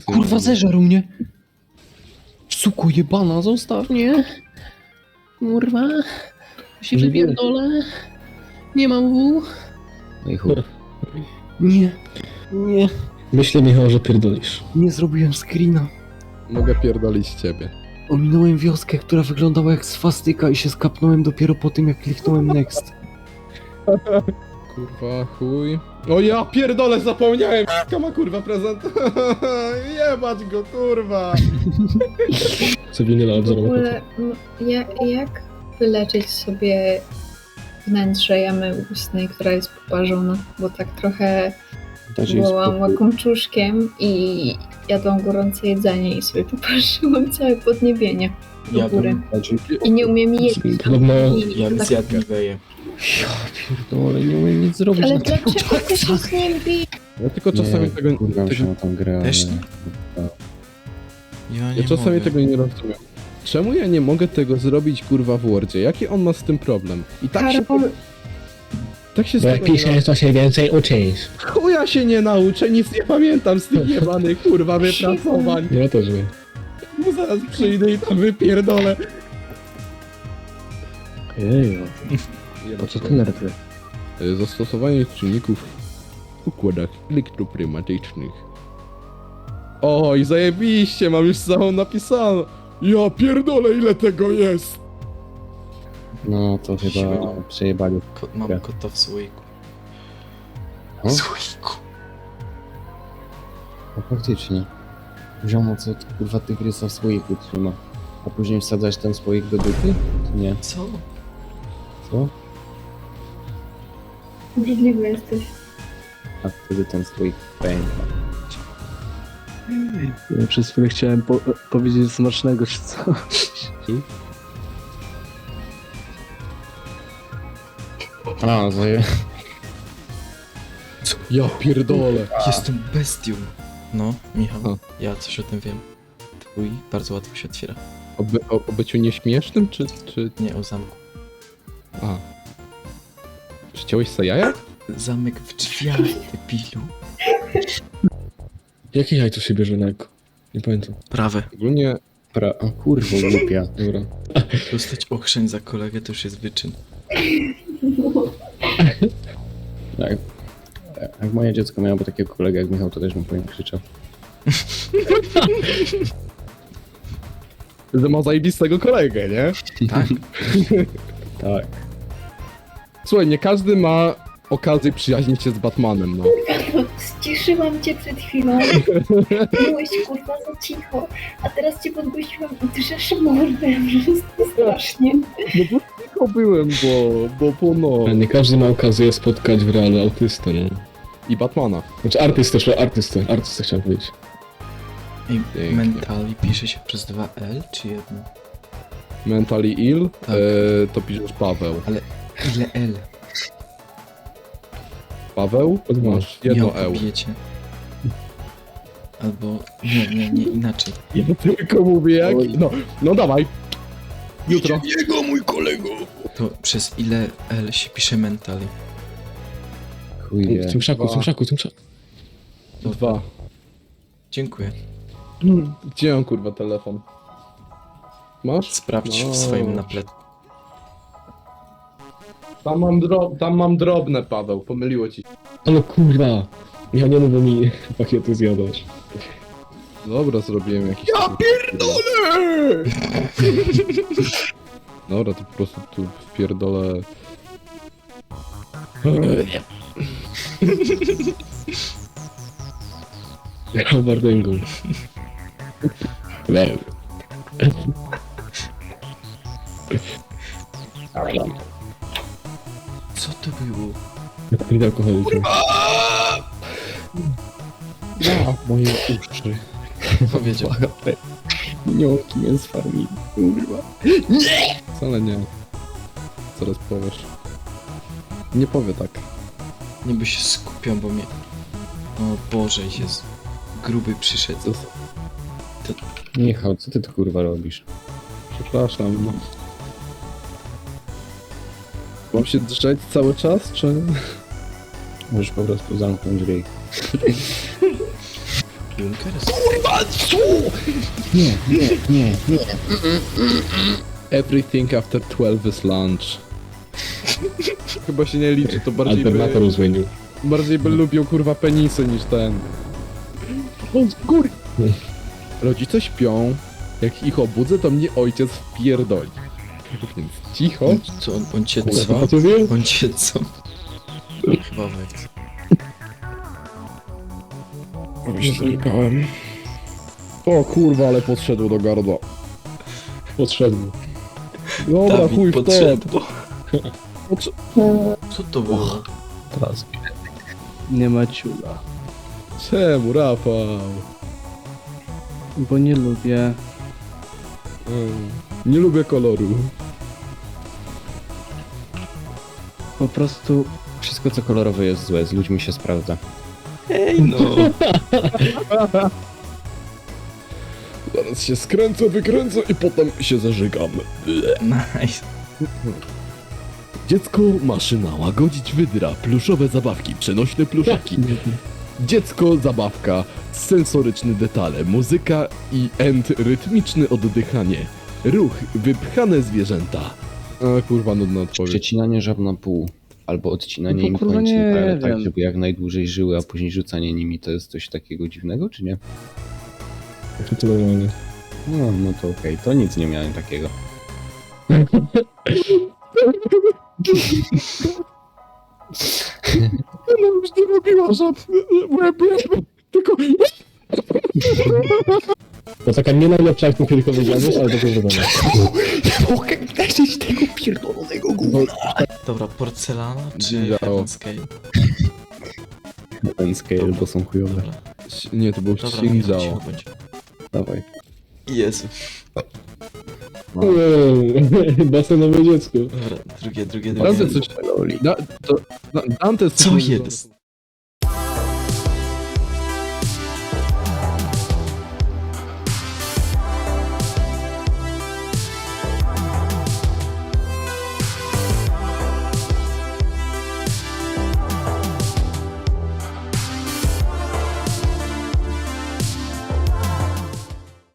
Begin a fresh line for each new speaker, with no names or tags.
Kurwa, zeżarł mnie! Suko jebana, zostaw mnie! Kurwa, się wypierdolę. Nie mam W.
No i chuj.
Nie, nie,
Myślę, Michał, że pierdolisz.
nie zrobiłem screena.
Mogę pierdolić ciebie.
Ominąłem wioskę, która wyglądała jak swastyka i się skapnąłem dopiero po tym, jak kliknąłem next.
Kurwa, chuj. O ja pierdolę, zapomniałem! Ma kurwa prezent. Jebać go, kurwa!
Co winyla
W
odwzorowa.
ogóle, jak wyleczyć sobie wnętrze jamy ustnej, która jest poparzona? Bo tak trochę byłam łakomczuszkiem i jadłam gorące jedzenie i sobie poparzyłam całe podniebienie do góry. I nie umiem jeść.
Podobno
I tak,
zjadliweję.
Ja pierdolę, nie umiem nic zrobić
ale
na tym
dlaczego ty się z nim bijesz?
Ja tylko czasami tego...
Kurwa
tego
się na tą grę,
Też
ale...
ja czasami tego nie rozumiem. Czemu ja nie mogę tego zrobić kurwa w Wordzie? Jaki on ma z tym problem? I tak się...
Karol,
Tak się z
bo jak
tego nie
piszesz, to się więcej uczysz.
Chuja się nie nauczę, nic nie pamiętam z tych jebanych kurwa wypracowań.
Ja też wiem.
Bo zaraz przyjdę i tam wypierdolę.
Jeju, po co ty nerwy?
Zastosowanie czynników w układach elektroprymatycznych. Oj, zajebiście, mam już całą napisaną. Ja pierdolę, ile tego jest.
No to chyba przejebali.
Mam
Ja.
kota w słoiku.
O?
W słoiku.
No faktycznie. Ziomo, co ty, kurwa tygrysa w słoiku trzyma? A później wsadzać ten słoik do dupy? Czy nie?
Co?
Co?
obrzydliwy jesteś.
A wtedy ten słoik pęka.
Ja przez chwilę chciałem powiedzieć smacznego czy co.
A, zaje...
Ja pierdolę.
Jestem bestią. No, Michał,
A.
ja coś o tym wiem. Twój bardzo łatwo się otwiera.
O byciu nieśmiesznym, czy...
Nie, o zamku.
A. Przyciąłeś se jaja?
Zamek w drzwiach, debilu.
Jaki jaj tu się bierze na eko? Nie pamiętam.
Prawe.
Ogólnie...
O kurwa, głupia.
Dobra.
Dostać ochrzeń za kolegę to już jest wyczyn.
Tak. Jak moje dziecko miałoby takiego kolegę jak Michał, to też bym po nim krzyczał.
Że ma zajebistego kolegę, nie?
Tak?
Tak.
Słuchaj, nie każdy ma okazję przyjaźnić się z Batmanem, no.
Ściszyłam cię przed chwilą. Byłeś kurwa za cicho. A teraz cię podgłosiłam i drzesz mordę. Wszystko strasznie.
No bo tylko byłem, bo no...
Ale nie każdy ma okazję spotkać w realu autystę, no.
I Batmana.
Znaczy artystę chciałem powiedzieć.
I
Pięknie.
mentali pisze się przez 2L czy jedno?
Mentally ill,
Tak.
to piszesz Paweł.
Ile L?
Paweł? Masz jedno
Nie o
eł.
kobiecie. Albo... Nie, inaczej.
Ja tylko mówię jak... No dawaj. Jutro.
To przez ile L się pisze mentali?
Chuj wie.
W tym krzaku.
2.
Dziękuję.
Gdzie mam kurwa telefon? Masz?
Sprawdź w swoim napletku.
Tam mam drobne, Paweł, pomyliło ci.
Ale kurwa! Ja nie mówię mi pakietu zjadać.
Dobra, zrobiłem jakiś... Ja pierdolę! Dobra, to po prostu tu wpierdolę...
Ja bardęgą.
Co to było?
Nie alkoholikiem.
Moje uszy.
Powiedział.
Minionki mnie sfarmili. Kurwa.
Wcale nie. Zaraz powiesz. Nie powie tak.
Nie by się skupiał, bo mnie... O Boże, jest gruby przyszedł.
Michał, co ty tu kurwa robisz?
Przepraszam. No. Mam się drzeć cały czas, czy...
Możesz po prostu zamknąć ryj.
Junkers?
Nie, nie, nie, nie.
Everything after 12 is lunch. Chyba się nie liczy, to
Alternator zmienił.
bardziej by lubią kurwa penisy niż ten. Góry. Rodzice śpią. Jak ich obudzę, to mnie ojciec wpierdoli. Więc cicho.
Co, on cię
Kurwa,
co?
to wie?
On cię co? Chyba wekc.
Się zlekałem. O kurwa, ale podszedł do gardła.
Podszedł.
Dobra,
Dawid
chuj w to.
podszedł.
Podsz-
Co to było?
Teraz. Nie ma ciula.
Czemu, Rafał?
Bo nie lubię.
Nie lubię koloru.
Po prostu
Wszystko co kolorowe jest złe, z ludźmi się sprawdza.
Ej no.
Zaraz się skręcę, wykręcę i potem się zażygam.
Nice.
Dziecko, maszyna, łagodzić wydra, pluszowe zabawki, przenośne pluszaki. Dziecko, zabawka, sensoryczne detale, muzyka i rytmiczne oddychanie. Ruch, wypchane zwierzęta. A kurwa, nudna odpowiedź.
Przecinanie żab na pół. Albo odcinanie
No
im
kurwa,
kończyn,
nie
prawie tak,
wiem.
żeby jak najdłużej żyły, a później rzucanie nimi, to jest coś takiego dziwnego, czy nie?
To normalnie.
No, no to okej, to nic nie miałem takiego.
Ona już nie robiła żab. Tylko...
To taka nie najlepsza, jak tylko powiedziałeś, ale dobrze zrobione.
Mogę leczyć tego pierdolonego gówna!
Dobra, porcelana czy
Wiedziało.
Heaven Scale?
Ten scale, bo są chujowe.
Dobra,
Nie, to był
dobra,
Xingzao.
cicho bądź.
Dawaj.
Jezu.
Basenowe dziecko.
Dobra, drugie.
Dante coś... Dante
Co jest?